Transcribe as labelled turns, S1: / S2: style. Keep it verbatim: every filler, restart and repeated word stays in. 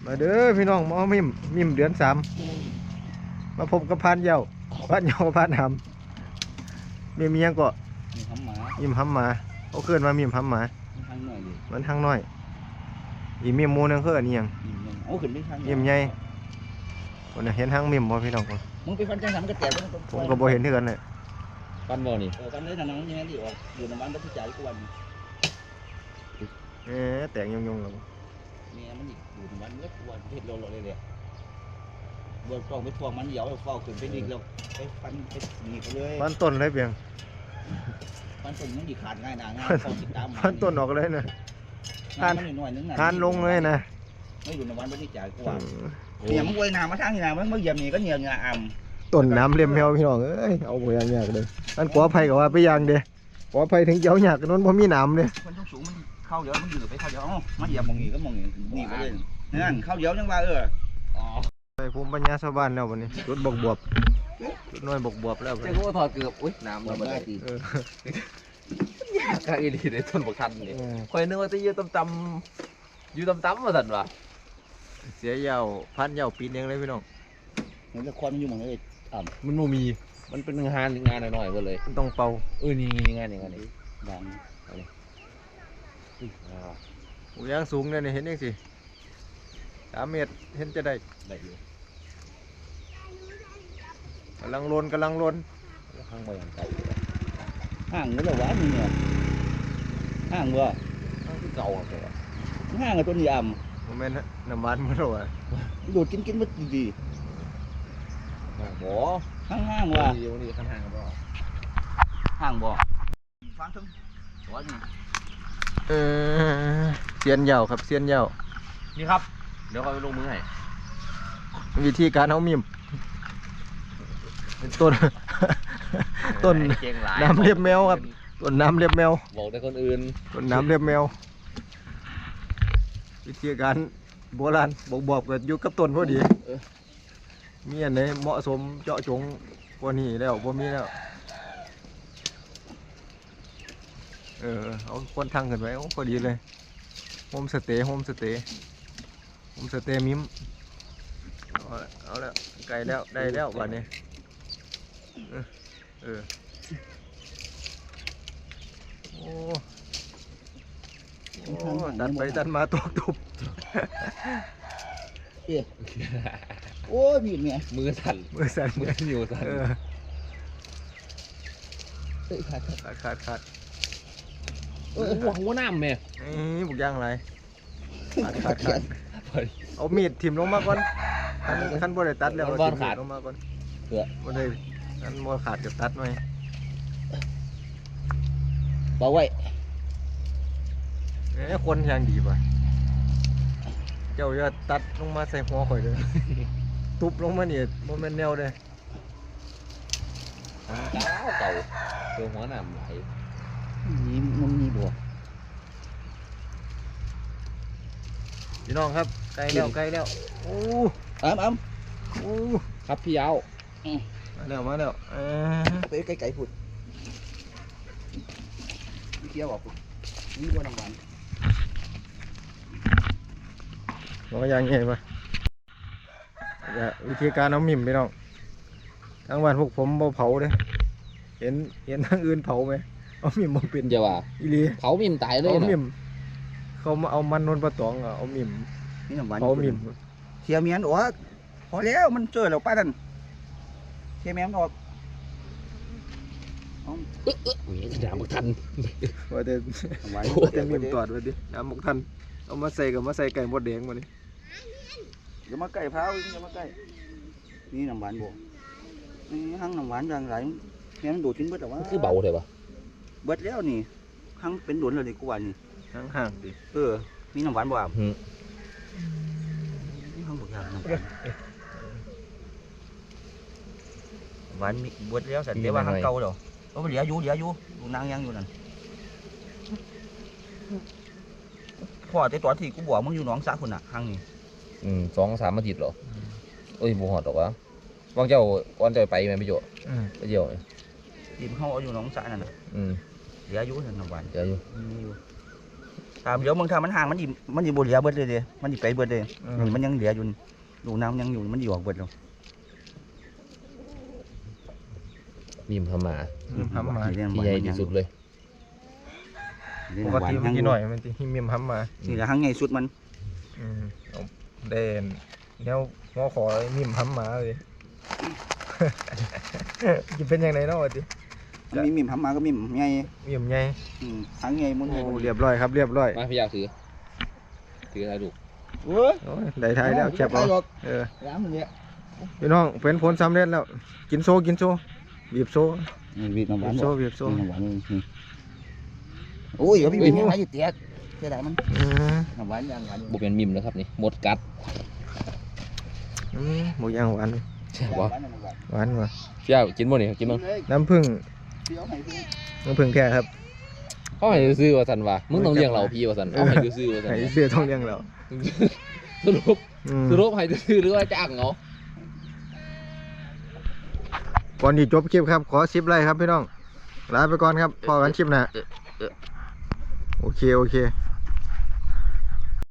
S1: มาเด้อพี่น้องมามิมมิมเดือนสามมาพบกับพานเยาพานเยาพานหำมิมยังก็
S2: มีทำหมา
S1: มิมหำหมาเขาเกินมามิมหำหมา
S2: ทางหน่อยดิ
S1: มันทางน้อยอีมิมหมูนึงคืออันนี้ยัง
S2: โอ้ขึ้นไปทาง
S1: มิมใหญ่คนน่ะเห็นทางมิมบ่พี่น้องคน
S2: มึงไปฟันจังสามก็แตก
S1: ผมก็บ่เห็นเท่ากันเลย
S3: ปั้นบ่นี่
S2: เออฟันได้ทางนั้นยังไงดิออกอยู่ในบ้านรัฐจ่ายทุกวัน
S1: เอ๊ะแตกยงๆแล้ว
S2: เมียมันอยู่ในบ้านเมื่อทุกวันเห็ดโลโลเลยเลยบนกล้องไปทวงมันเดี๋ยวเฝ้าขึ้นไปดิแล้วไปฟันไปหนีไปเลย
S1: ฟันต้นเลยเพียง
S2: ฟันต้นมันดีขาดง่ายนะง่ายพอติดตาม
S1: ฟันต้นออกเลยนะ
S2: ทานหน่อยนึง
S1: ทานลงเลยนะ
S2: ไม่อยู่ในบ้านรัฐจ่ายทุกวันเนี่ยมันวยน้ำมาทางนี่นะมันเมื่อเยี่ยมนี่ก็เหนียวเหงื่ออ่ำ
S1: ต้นน้ำเลียมแมวพี่น้องเอ้ยเอาบ่อย่างยากเลยอันขออภัยกับว่าไปอย่างเด้ขออภัยถึงเจ้าหยากนั้นบ่มีน้ำเด้
S2: มันต้องสูงมันเข้าเยอะมันอยู่ไปเข้าเยอะมันเหยียบมองนี่ก็มองนี่หนีไปเลยนั่นเข้าเยอะจังว่าเอออ๋อ
S1: ไปภูมิปัญญาชาวบ้านแล้ววันนี้จุดบกบวบจุดน้อยบกบวบแล้วบัด
S3: เจ้า
S1: นี้
S3: ก็ถอดเกือบอุ้ยน้ำมันได้ดี
S1: เออ
S3: กางอีดีในต้นบกทันนี่
S1: เออ
S3: คอยนึกว่าจะยืดตำๆอยู่ตำๆมาสั่นวะ
S1: เสียยาวพันยาวปีนเองเลยพี่น้อง
S2: เห็นละครมันอยู่หมองเลย
S3: มันบ่มี มันเป็นงานงานหน่อยๆหมดเลย
S1: มันต้องเป่า
S3: เออนี่งานอย่างนี้
S2: ดัง
S1: หูยางสูงเนี่ยนี่เห็นยังสิสามเมตรเห็นจะได้
S3: ได้อยู่
S1: กำลังลนกำลังลน
S3: ข้างบนอย่างเก่า
S2: ห้างนี่แหละวะมึงเนี่ยห้างวะ
S3: ข้างที่เก่าอ่ะแก
S2: ห้างกับตัวนี้อ่
S1: โมเมนต์น้ำมันมันหรอวะ
S2: ำดูดกินกินมันดี
S3: บ่
S2: ๆห้างห้างวะ
S3: เดี๋ยวนี้ข้างทางก็บ่
S2: ห้างบ่ฟังถึงวะนี่
S1: เออเสียนยาวครับเสียนยาว
S3: นี่ครับเดี๋ยวคอยไปลงมือให้
S1: วิธีการเอามิมต้น ต้น
S3: เก่งหลาย
S1: น้ำเรียบแมวครับ ต้นน้ำเรียบแมว
S3: บอกแต่คนอื่น
S1: ต้นน้ำเรียบแมว วิธีการโบราณบอกบอกกันอยู่กับต้นพอดีมีอันไหนเหมาะสมเจาะจงกว่านี้แล้วพอมีแล้วเออเอาคนทางขึ้นไว้โอ้พอดีเลยโฮมสเตย์โฮมสเตย์โฮมสเตย์มิมเอาละเอาแล้วไกลแล้วได้แล้ววันนี้เออเออโอ้โอ้ตัดไปตัดมาตกตุบ
S2: โอ้ยบีบเนี่ย
S3: มือสั่น
S1: มือสั่น
S3: มือนิ้วสั่น
S1: เออ
S2: เฮ้ยขาด
S1: ขาดขาดขาด
S3: เออหัวหัวน้ำแม่
S1: นี่บุกย่างอะไรขาดขาดขาดเอามีดถิ่มลงมาก่อนคันคันบ่ได้ตัดแล้วเอาถิ่มมีดลงมาก่อนบ่ได้คันบ่ขาดก็ตัดหน่อย
S2: เบาไว้
S1: เอ้ยคนยังดีป่ะเจ้าอย่าตัดลงมาใส่หัวข่อยเด้อ ทุบลงมานี่บ่แม่นแนวเด้อ
S3: เก่าเก่าตัวหัวน้ำไหล
S2: นี่มันมีบ่
S1: พี่น้องครับใกล้แล้วใกล้แล้วโอ้
S2: อ้ำอ้
S1: โอ้
S3: ครับพี่เอา
S1: มาแล้วมาแล้วเออ
S2: ำไปไกลๆพุ่นเกี่ยวบอกพุ่นนี่บ่น้ำหวาน
S1: บ่อย่างงี้ป่ะอย่าวิธีการเอามิ่มพี่น้องทางบ้านพวกผมบ่เผาเด้เห็นเห็นทางอื่นเผาไหมเอามิ่มบ่เป็น
S3: เดี๋ยวว่า
S1: อีหลี
S3: เผามิมตายเลย
S1: เอา
S3: นะ
S1: มิ่มเขามาเอามันนนปลาตองอะเอามิ่ม
S2: นี่น้ำหวาน
S1: เผามิ่ม
S2: เทียเมียนโอ้พอแล้วมันเจอแล้วป้าดันเทียเมียนออก
S3: อุ้ยน้ำบกทัน
S1: ว่าแต่
S2: น้ำหวาน
S1: ว่าแต่มิ่มตอดว่าดิน้ำหมกทันเอามาใส่กับมาใส่ไก่มดแดงมาดิ
S2: อย่ามาใกล้พร้าวอย่ามาใกล้นี่น้ำหวานบ่นี่หั่งน้ำหวานอย่างไรเมียนดูดกินเบิดแล้ววะ
S3: คือเบาเลยปะ
S2: เบิดแล้วนี่หั่งเป็นหลวนเลยกูว่านี่
S1: ห่างๆดิ
S2: เออมีน้ำหวานบ่อ่ะ
S3: หืม
S2: นี่หั่งบ่ยากน้ำหวานหวานมีเบิดแล้วสันเดี๋ยวว่าหั่งเก่าเด้อโอ้เหลืออยู่เหลืออยู่ดูนางยังอยู่นั่นพ่อแต่ตอนที่กูบอกมึงอยู่หนองสาพุ่นน่ะหั่งนี่
S3: อืมสองสามอาทิตย์เหรอเอ้ยบูหอดหรอกวะวางเจ้าก่อนเจ้าไปไหมพี่โจ
S1: อืม
S3: ไปเที่ยว
S2: ทีมเขาเอาอยู่หนองสานั่นน่ะ
S3: อืม
S2: เหลืออยู่นั่นน้ำหวาน
S3: เดี๋ยวอยู่
S2: มีอยู่ตามเดี๋ยวมึงถ้ามันห่างมันดิมันดิบ่เหลือเบิดเลยเด้มันดิไปเบิดเลย
S1: อืม
S2: นี่มันยังเหลืออยู่ดูน้ำยังอยู่มันดิออกเบิดแล้ว
S3: มีมทำมา
S1: มิมห้ำมา
S3: ที่ใหญ่ที่สุดเลย
S1: ปกติมันกี่หน่อยมันที่มิมห้ำมา
S2: นี่แหละหางใหญ่สุดมัน
S1: อืมเอาเด่นแนวงอขอมิมห้ำมาเลย จะเป็นยังไงเนาะวะดิ
S2: มันมีมิ่มทำมาก็มิ่มใหญ่
S1: มิมใหญ่
S2: อืมหางใหญ่มุน
S1: โอ้เรียบร้อยครับเรียบร้อย
S3: มาพี่อยากถือถืออะไรดู
S2: โอ้ย
S1: โอ้ยได้ท้ายแล้วแคบเอาเออ
S2: น้ำมันเนี่ย
S1: พี่น้องเป็นผลสำเร็จแล้วกินโซกินโซบีบโซ
S2: นี่วีดน้ำห
S1: บี
S2: วาน
S1: บโซบีบโซ
S2: น้ำหวานนี่โอ้ยเดี๋ยวพี่วิ่งยังไงอยู่เตี้ยเสียดายมัน
S1: อืม
S2: น้ำหวานยังหวาน
S3: บุเป็นมิมนะครับนี่หมดกัด
S1: อืมหมูย่างหวาน
S3: ใช่ปะ
S1: หวานว่ะ
S3: พี่อยากกินบ่นี่กินมั้ง
S1: น้ำผึ้งน้ำผึ้งแท้ครับ
S3: เขาให้ซื้อว่าสันว่ามึงต้องเลี้ยงเราพี่ว่าสันเอาให้ซื้อว่าสัน
S1: ไข่เสื้อทองเลี้ยงเรา
S3: สรุป
S1: อืม
S3: สรุปให้ซื้อหรือว่าจ้างเขา
S1: ก่อนที่จบคลิปครับขอสิบไลค์ครับพี่น้องลาไปก่อนครับพอกันคลิปหนะโอเคโอเค